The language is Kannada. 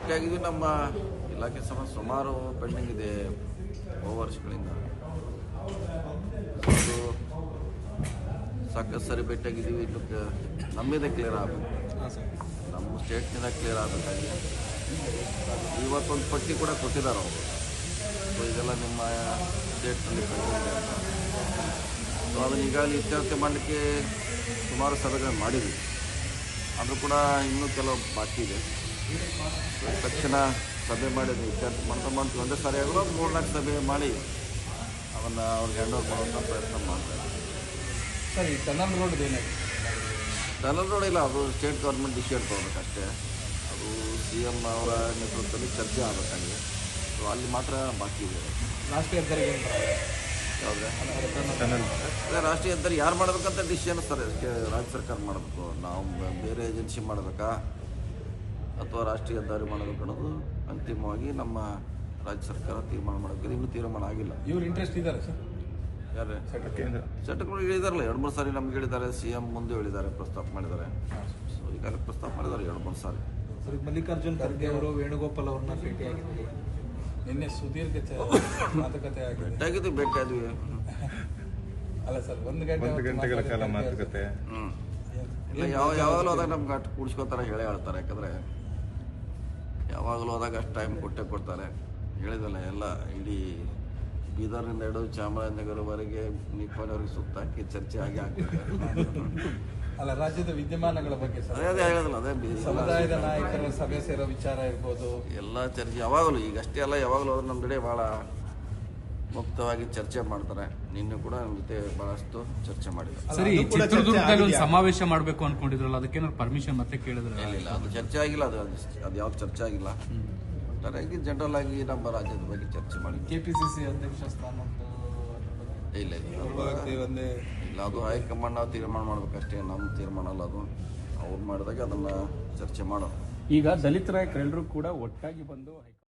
ಭೇಟಿಯಾಗಿದ್ವಿ. ನಮ್ಮ ಇಲಾಖೆ ಸುಮಾರು ಪೆಂಡಿಂಗ್ ಇದೆ ಬಹು ವರ್ಷಗಳಿಂದ. ಅದು ಸಾಕಷ್ಟು ಸರಿ ಭೇಟಿಯಾಗಿದ್ದೀವಿ. ಇನ್ನು ನಮ್ಮಿದೆ ಕ್ಲಿಯರ್ ಆಗಬೇಕು, ನಮ್ಮ ಸ್ಟೇಟ್ನಿಂದ ಕ್ಲಿಯರ್ ಆಗಬೇಕಾಗಿದೆ. ಇವತ್ತೊಂದು ಪಟ್ಟಿ ಕೂಡ ಕೊಟ್ಟಿದ್ದಾರೆ ಅವರು. ಸೊ ಇದೆಲ್ಲ ನಿಮ್ಮ ಸ್ಟೇಟ್ನಲ್ಲಿ ಪೆಂಡಿಂಗ್ ಅಂತ. ಸೊ ಅದನ್ನು ಈಗಾಗಲೇ ಇತ್ಯರ್ಥ ಮಾಡಲಿಕ್ಕೆ ಸುಮಾರು ಸಭೆಗಳನ್ನು ಮಾಡಿದ್ವಿ. ಅದು ಕೂಡ ಇನ್ನೂ ಕೆಲವು ಬಾಕಿ ಇದೆ. ತಕ್ಷಣ ಸಭೆ ಮಾಡಿದ್ವಿ, ಇತ್ಯರ್ಥ ಮಾಡ್ತೀವಿ. ಒಂದೇ ಸಾರಿ ಆಗಲು 3-4 ಸಭೆ ಮಾಡಿ ಅದನ್ನು ಅವ್ರಿಗೆ ಹ್ಯಾಂಡ್ ಓವರ್ ಮಾಡುವಂಥ ಪ್ರಯತ್ನ ಮಾಡ್ತಾರೆ. ಸರ್, ಈ ಟನಲ್ ರೋಡ್ ಏನಾಗಿದೆ? ಟನಲ್ ರೋಡ್ ಇಲ್ಲ, ಅದು ಸ್ಟೇಟ್ ಗೌರ್ಮೆಂಟ್ ಡಿಸಿಷನ್ ತೊಗೊಬೇಕಷ್ಟೇ. ಅದು CM ಅವರ ನೇತೃತ್ವದಲ್ಲಿ ಚರ್ಚೆ ಆಗಬೇಕಾಗಿದೆ. ಸೊ ಅಲ್ಲಿ ಮಾತ್ರ ಬಾಕಿ ಇದೆ. ರಾಷ್ಟ್ರೀಯ ಹೆದ್ದಾರಿಗೆ ಯಾವುದೇ ಅದೇ ರಾಷ್ಟ್ರೀಯ ಹೆದ್ದಾರಿ ಯಾರು ಮಾಡಬೇಕಂತ ಡಿಸಿಷನ್ ಸರ್ ರಾಜ್ಯ ಸರ್ಕಾರ ಮಾಡಬೇಕು. ನಾವು ಬೇರೆ ಏಜೆನ್ಸಿ ಮಾಡಬೇಕಾ ಅಥವಾ ರಾಷ್ಟ್ರೀಯ ಹೆದ್ದಾರಿ ಮಾಡಬೇಕು ಅನ್ನೋದು ಅಂತಿಮವಾಗಿ ನಮ್ಮ ರಾಜ್ಯ ಸರ್ಕಾರ ತೀರ್ಮಾನ ಮಾಡಬೇಕು. ಇನ್ನೂ ತೀರ್ಮಾನ ಆಗಿಲ್ಲ. ಇವ್ರು ಇಂಟ್ರೆಸ್ಟ್ ಇದ್ದಾರೆ ಸರ್? ಯಾರೇ ಚಟಗಳು ಹೇಳಿದಾರಲ್ಲ, 2-3 ಸಾರಿ ನಮ್ಗೆ ಹೇಳಿದ್ದಾರೆ. CM ಮುಂದೆ ಹೇಳಿದ್ದಾರೆ, ಪ್ರಸ್ತಾಪ ಮಾಡಿದ್ದಾರೆ. ಸೊ ಈಗಾಗಲೇ ಪ್ರಸ್ತಾಪ ಮಾಡಿದ್ದಾರೆ 2-3 ಸಾರಿ. ಸರ್, ಮಲ್ಲಿಕಾರ್ಜುನ್ ಖರ್ಗೆ ಅವರು ವೇಣುಗೋಪಾಲ್ ಅವ್ರನ್ನ ಭೇಟಿಯಾಗಿದ್ದಾರೆ. ನಿನ್ನೆ ಸುದೀರ್ಘ ಮಾತುಕತೆ ಭೇಟಿಯಾಗಿದ್ವಿ. ಅಲ್ಲ ಸರ್, 1 ಗಂಟೆಗಳ ಕಾಲ ಮಾತುಕತೆ. ಇಲ್ಲ, ಯಾವಾಗಲೂ ಹೋದಾಗ ನಮ್ಗೆ ಅಷ್ಟು ಕೂಡಿಸ್ಕೋತಾರೆ, ಹೇಳ್ತಾರೆ. ಯಾಕಂದರೆ ಯಾವಾಗಲೂ ಹೋದಾಗ ಅಷ್ಟು ಟೈಮ್ ಕೊಡ್ತಾರೆ. ಹೇಳಿದಲ್ಲ, ಎಲ್ಲ ಇಡೀ ಬೀದರ್ನಿಂದ ಹಿಡಿದು ಚಾಮರಾಜನಗರವರೆಗೆ ನಿಪ್ಪಾಣಿವರೆಗೆ ಸುತ್ತಾಕಿ ಚರ್ಚೆ ಆಗ್ತದೆ. ಅಲ್ಲ, ರಾಜ್ಯದ ವಿದ್ಯಮಾನಗಳ ಬಗ್ಗೆ ಅದೇ ಹೇಳಿದಲ್ಲ, ಅದೇ ಸಮುದಾಯದ ನಾಯಕರ ಸಭೆ ಸೇರೋ ವಿಚಾರ ಇರ್ಬೋದು, ಎಲ್ಲ ಚರ್ಚೆ ಯಾವಾಗಲೂ. ಈಗ ಅಷ್ಟೇ ಅಲ್ಲ, ಯಾವಾಗಲೂ ಹೋದ್ರೆ ನಮ್ಮ ಕಡೆ ಭಾಳ ಮುಕ್ತವಾಗಿ ಚರ್ಚೆ ಮಾಡ್ತಾರೆ. ನಿನ್ನೆ ಕೂಡ ನಮ್ಮ ಜೊತೆ ಬಹಳಷ್ಟು ಚರ್ಚೆ ಮಾಡಿದ್ದಾರೆ. ಸರಿ, ಚಿತ್ರದುರ್ಗದಲ್ಲಿ ಒಂದು ಸಮಾವೇಶ ಮಾಡಬೇಕು ಅನ್ಕೊಂಡಿದ್ರಲ್ಲ, ಅದಕ್ಕೇನಾದ್ರು ಪರ್ಮಿಷನ್ ಮತ್ತೆ ಕೇಳಿದ್ರೆ? ಇಲ್ಲ, ಅದು ಚರ್ಚೆ ಆಗಿಲ್ಲ. ಅದು ಯಾವ್ದು ಚರ್ಚೆ ಆಗಿಲ್ಲ. ಒಟ್ಟಾರೆಯಾಗಿ ಜನರಲ್ ಆಗಿ ನಮ್ಮ ರಾಜ್ಯದ ಬಗ್ಗೆ ಚರ್ಚೆ ಮಾಡಿ. KPCC ಅಧ್ಯಕ್ಷ ಸ್ಥಾನ ಇಲ್ಲ, ಅದು ಹೈಕಮಾಂಡ್ ನಾವು ತೀರ್ಮಾನ ಮಾಡ್ಬೇಕಷ್ಟೇ. ನಮ್ಮ ತೀರ್ಮಾನ ಅಲ್ಲ ಅದು. ಅವ್ರು ಮಾಡಿದಾಗ ಅದನ್ನು ಚರ್ಚೆ ಮಾಡೋದು. ಈಗ ದಲಿತ ನಾಯಕರೆಲ್ಲರೂ ಕೂಡ ಒಟ್ಟಾಗಿ ಬಂದು